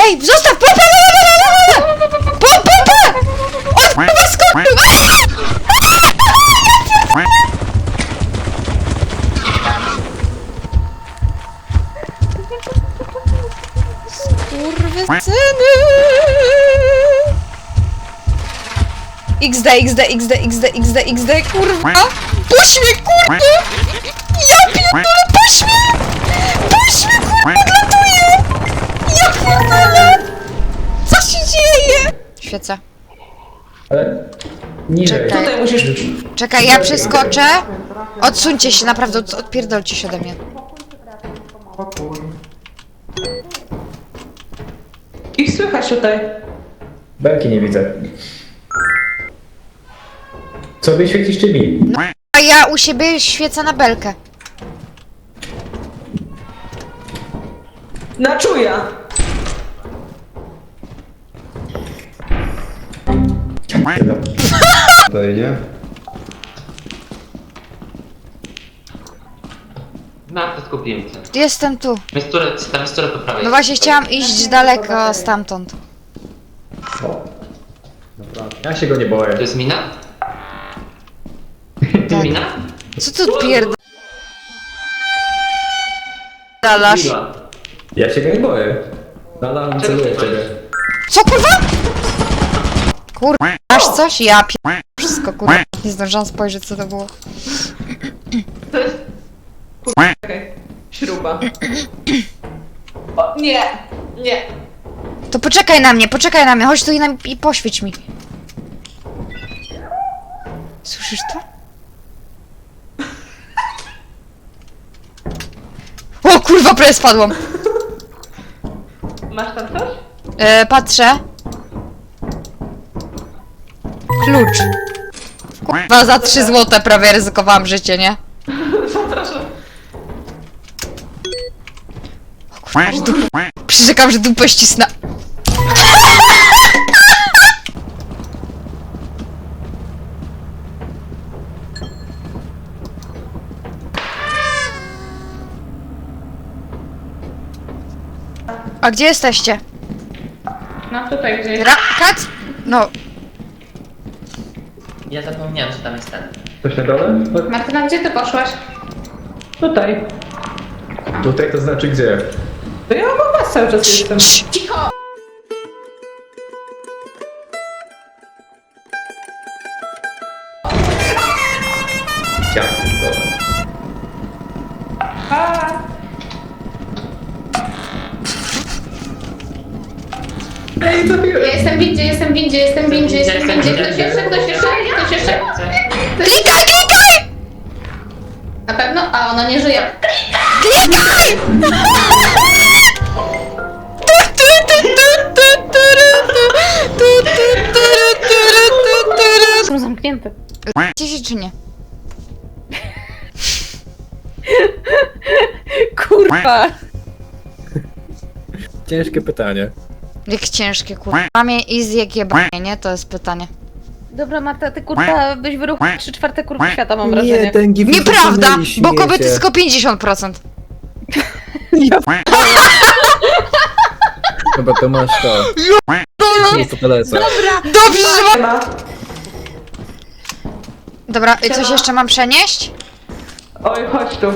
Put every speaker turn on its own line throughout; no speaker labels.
Ej, zostaw! Pompa! Pompa! On chyba skoczył! Skurwysyny! XD, kurwa! Puść mnie, kurwa! Ja pierdolę, puść mnie! Puść mnie, kurwa, odlatuję! Ja pierdolę! Co się dzieje? Świecę.
Ale niżej.
Czekaj.
Tutaj musisz...
Czekaj, ja przeskoczę. Odsuńcie się, naprawdę, odpierdolcie się ode mnie.
Ich słychać tutaj.
Belki nie widzę. Co wyświetlisz czy mi?
A ja u siebie świecę na belkę.
Na czuja.
Tutaj, nie?
Na to skupiłem się.
Jestem tu.
Tam jest po prawej.
No właśnie chciałam iść daleko stamtąd.
O. Dobra. Ja się go nie boję.
To jest mina?
Tak.
Mina?
Co tu pierdalasz?
Miła.
Ja się go nie boję. Nadal celuję w ciebie.
Co kurwa? Kurwa, masz coś? Ja wszystko kurwa. Nie zdążyłam spojrzeć co to było.
To jest... Czekaj. Śruba. O, nie. Nie.
To poczekaj na mnie, chodź tu i poświeć mi. Słyszysz to? O kurwa, prawie spadłam.
Masz tam coś?
Patrzę. Klucz. Kurwa, za 3 złote prawie ryzykowałam życie, nie?
Zapraszam.
O kurwa, że dupę. Przyrzekam, że dupę ścisnę. A gdzie jesteście?
No tutaj gdzieś.
Kac? No,
Ja zapomniałem, że tam jest ten.
Coś na dole?
Martyna, gdzie ty poszłaś?
Tutaj.
Tutaj to znaczy gdzie?
To ja mam was cały czas jestem.
Cicho!
Ciach. Dobra.
A,
Ej, zabiłem!
Ja jestem w windzie, jestem w windzie, jestem w windzie, jestem w windzie. Ktoś jeszcze, ktoś jeszcze, ktoś jeszcze?
klikaj!
Na pewno? A ona nie żyje.
Klikaj!
Są zamknięte.
Gdzieś czy nie?
kurwa.
Ciężkie pytanie.
Jak ciężkie kurwa. Mamie easy jak jebanie, nie? To jest pytanie.
Dobra, Marta, ty kurwa byś wyruchł 3/4 kurwa świata, mam wrażenie.
ten gif
Nieprawda! Bo kobiety tylko 50%.
Chyba to masz to. Jest to telesa.
Dobrze, że
Nie ma.
Dobra, i coś jeszcze mam przenieść?
Oj, chodź tu.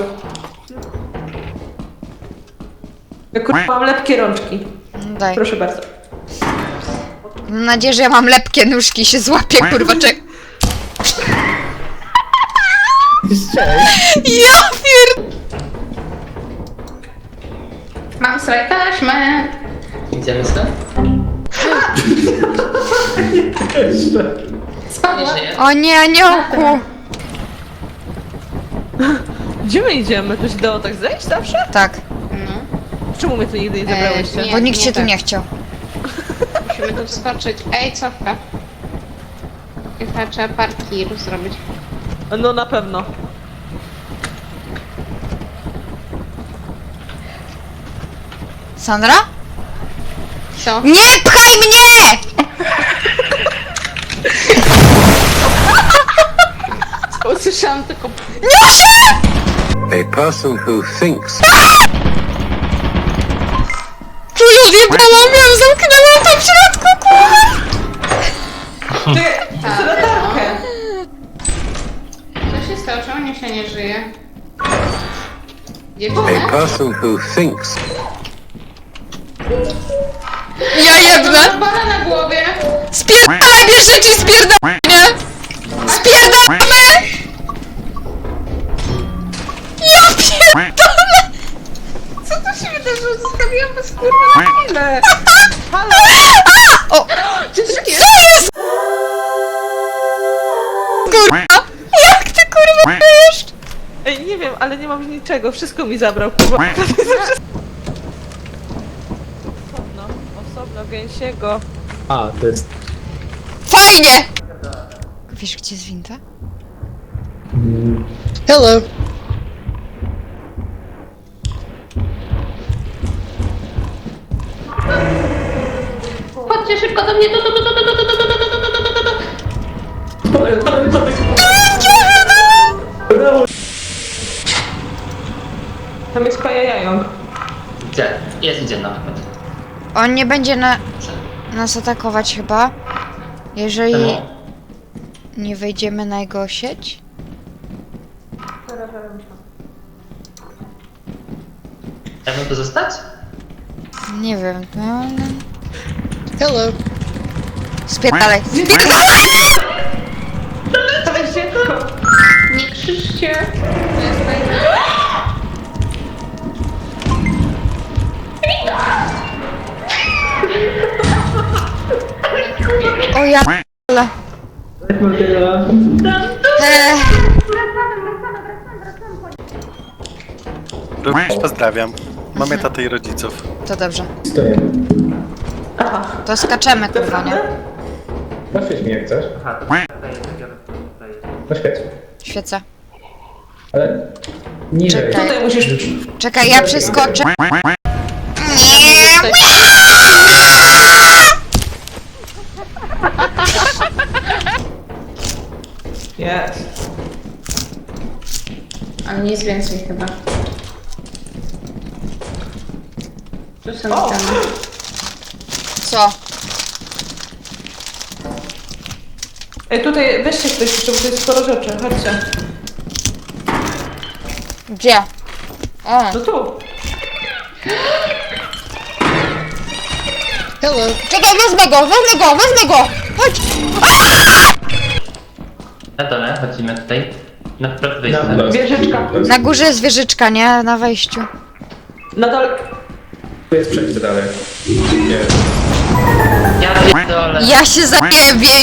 Ja kurwa mam lepkie rączki.
Daj.
Proszę bardzo.
Mam nadzieję, że ja mam lepkie nóżki i się złapię, kurwa, Ja pier...
Mam sobie taśmę.
Idziemy stąd?
Spadła.
Nie żyje?
O nie, aniołku!
Gdzie my idziemy? Tu się dało tak zejść zawsze?
Tak,
No.
Czemu mnie tu nigdy nie zabrałyście?
nie.
bo nikt cię tu
tak.
nie chciał.
Musimy tu wskoczyć. Ej, cofka. I chyba trzeba parki zrobić.
No na pewno.
Sandra?
Co?
Nie pchaj mnie!
Usłyszałam tylko...
A person who thinks
Czuję Odjebałam ją, zamknęłam to w środku, kurwa!
Ty, chcę latarkę.
Co się stało? Czemu nie się nie żyje?
A
Dziewczyny?
person who thinks
Ja jebnę!
Bala na głowie!
Spierdalaj, bierz rzeczy i spierdalaj, nie? Spierdalamy! Ja pierdolę!
Co to się wydarzyło? Zostawiłam was kurwa na chwilę!
O!
Dziewczynki!
Co jest? Kurwa! Jak ty kurwa wiesz?
Ej, nie wiem, ale nie mam niczego, wszystko mi zabrał, kurwa. Osobno, gęsiego.
A, to jest...
Fajnie! Wiesz, gdzie jest winda?
Hello!
Chodźcie szybko do mnie!
Tam jest Kaja Jająk.
Gdzie? Idzie nawet.
On nie będzie nas atakować chyba, jeżeli
Czemu?
nie wejdziemy na jego sieć.
Ja bym tu zostać?
Nie wiem. Hello. Spierdalaj.
To jest dziecko.
Nie krzyczcie! To jest fajne.
O ja p***le.
Również pozdrawiam. Mamy tatę i rodziców.
To dobrze.
Stoję.
To skaczemy, kurwa, nie?
Poświeć mi jak chcesz.
Aha, to
Poświeć.
Świecę.
Ale... Niżej.
Czekaj.
Tutaj musisz...
Czekaj, ja przeskoczę.
Jest.
Ale nic więcej chyba. Tu są
O!
itemy.
Co?
Ej, tutaj weźcie ktoś jeszcze, bo to jest sporo rzeczy, chodźcie.
Gdzie? O.
No tu.
Czekaj, wezmę go! Chodź!
Na dole, chodzimy tutaj. Na wprost
Na
wyjście.
wprost.
Wieżyczka.
Na górze jest wieżyczka, nie? Na wejściu.
Na dole...
Tu jest przejście dalej. Nie.
Ja pierdolę.
Ja się zajebię,